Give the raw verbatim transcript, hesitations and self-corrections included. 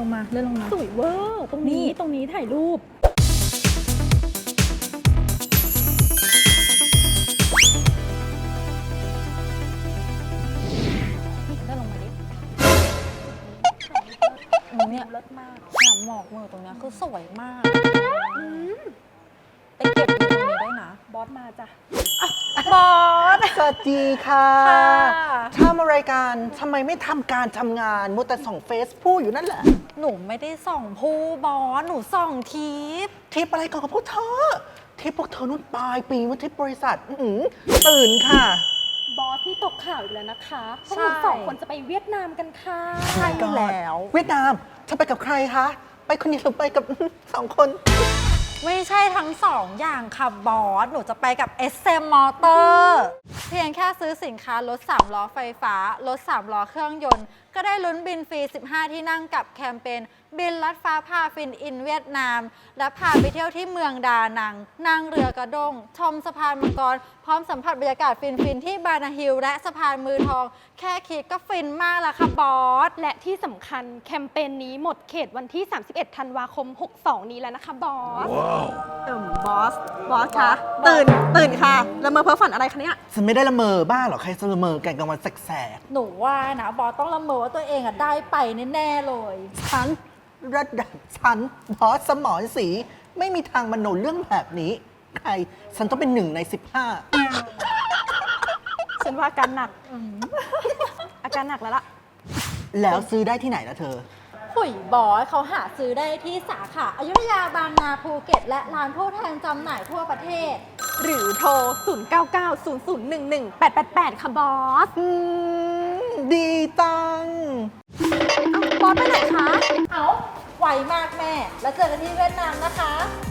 ลงมาเลื่อนลงมาสวยเวอร์ตรงนี้ตรงนี้ถ่ายรูปเลื่อนลงมาดิเนี่ยเลิศมากเนี่ยหมอกมือตรงเนี้ยคือสวยมากไปเก็บอยู่ตรงนี้ด้วยนะบอสมาจ้ะบอสสวัสดีค่ะค่ะทำอะไรกันทำไมไม่ทำการทำงานมัวแต่ส่องเฟซพูดอยู่นั่นแหละหนูไม่ได้ส่องผู้บอส หนูส่องทิปทริปอะไรก่อนกับพวกเธอทริปพวกเธอนุ่นปลายปีว่าทริปบริษัทอื้อหือตื่นค่ะบอสที่ตกข่าวอีกแล้วนะคะพวกใช่หนูสองคนจะไปเวียดนามกันค่ะใช่แล้วเวียดนามเธอไปกับใครคะ ไปคนเดียวหรือไปกับ สองคนไม่ใช่ทั้งสองอย่างค่ะบอส หนูจะไปกับ เอส เอ็ม Motor เพียงแค่ซื้อสินค้ารถสามล้อไฟฟ้ารถสามล้อเครื่องยนต์ ก็ได้ลุ้นบินฟรี สิบห้า ที่นั่งกับแคมเปญบินลัดฟ้าพาฟินอินเวียดนาม และพาไปเที่ยวที่เมืองดานัง นั่งเรือกระด้ง ชมสะพานมังกร พร้อมสัมผัสบรรยากาศฟินๆที่บานาฮิลและสะพานมือทอง แค่คิดก็ฟินมากแล้วค่ะบอสและที่สำคัญแคมเปญนี้หมดเขตวันที่ สามสิบเอ็ด ธันวาคม หกสอง นี้แล้วนะคะบอสเอิ่มบอส บอสคะตื่น ตื่นค่ะละเมอเพ้อฝันอะไรคะเนี่ยฉันไม่ได้ละเมอบ้าหรอกใครจะละเมอกันกลางวันแสกหนูว่านะบอสต้องละเมอว่าตัวเองอะได้ไปแน่ๆเลยๆฉันระดับฉันบอสสมรศรีไม่มีทางมโนเรื่องแบบนี้ ใคร ฉันต้องเป็นหนึ่งในสิบห้าฉันว่าอาการหนัก อาการหนักแล้วล่ะแล้วซื้อได้ที่ไหนล่ะเธอหุยบอสเขาหาซื้อได้ที่สาขาอยุธยาบางนาภูเก็ต และร้านผู้แทนจำหน่ายทั่วประเทศหรือโทร ศูนย์ เก้า เก้า ศูนย์ ศูนย์ หนึ่ง หนึ่ง แปด แปด แปด ค่ะบอสอืม ดีจังบอสไปไหนคะเอาไวมากแม่ แล้วเจอกันที่เวียดนามนะคะ